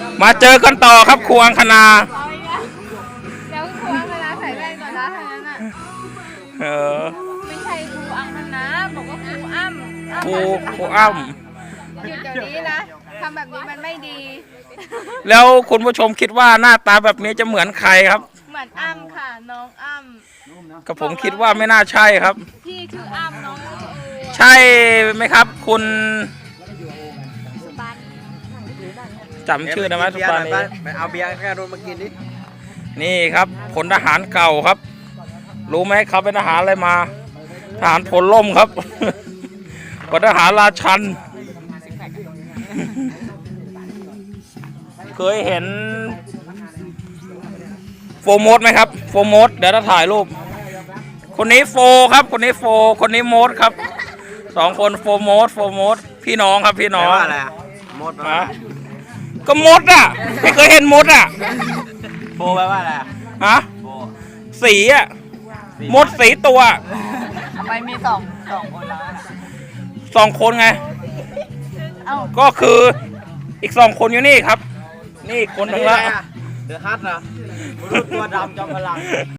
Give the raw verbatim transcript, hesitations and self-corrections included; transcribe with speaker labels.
Speaker 1: มาเจอกันต่อครับครูอังคณา
Speaker 2: เดี๋ยวครูอังคณาใส่แว่นก่อนนะทางนั้นอ่ะ
Speaker 1: เออ
Speaker 2: ไม่ใช่ครูอังคณาบอกว่าครูอ้ำ
Speaker 1: ครูครูอ้ำ
Speaker 2: หยุดเดี๋ยวนี้นะทำแบบนี้มันไม่ดี
Speaker 1: แล้วคุณผู้ชมคิดว่าหน้าตาแบบนี้จะเหมือนใครครับ
Speaker 2: เหมือนอ้ำค่ะน้องอ้ำ
Speaker 1: กับผมคิดว่าไม่น่าใช่ครับ
Speaker 2: พี่ชื่ออ้ำน้อง
Speaker 1: ใช่ไหมครับคุณจำชื่อได้ไหมทุกคนนี้
Speaker 3: ไปเอาเบียร์แค่โดนมากินนิด
Speaker 1: นี่ครับพลทหารเก่าครับรู้ไหมเขาเป็นทหารอะไรมาทหารพลล่มครับพลทหารราชันเคยเห็นโฟร์โมดไหมครับโฟร์โมดเดี๋ยวจะถ่ายรูปคนนี้โฟครับคนนี้โฟคนนี้โมดครับสองคนโฟร์โมดโฟร์โมดพี่น้องครับพี่น้อง
Speaker 3: อะไรมด
Speaker 1: ฮะก็มดอ่ะไม่เคยเห็นมดอ่ะ
Speaker 3: โบแปลว่าอะไร
Speaker 1: ฮะสีอ่ะมดสีตัว
Speaker 2: ทำไมมีสองสองคนแล้ว
Speaker 1: สองคนไงก็คืออีกสองคนอยู่นี่ครับนี่คนหนึ่งละ
Speaker 3: เดือดฮัทนะตัวดำจอมพลัง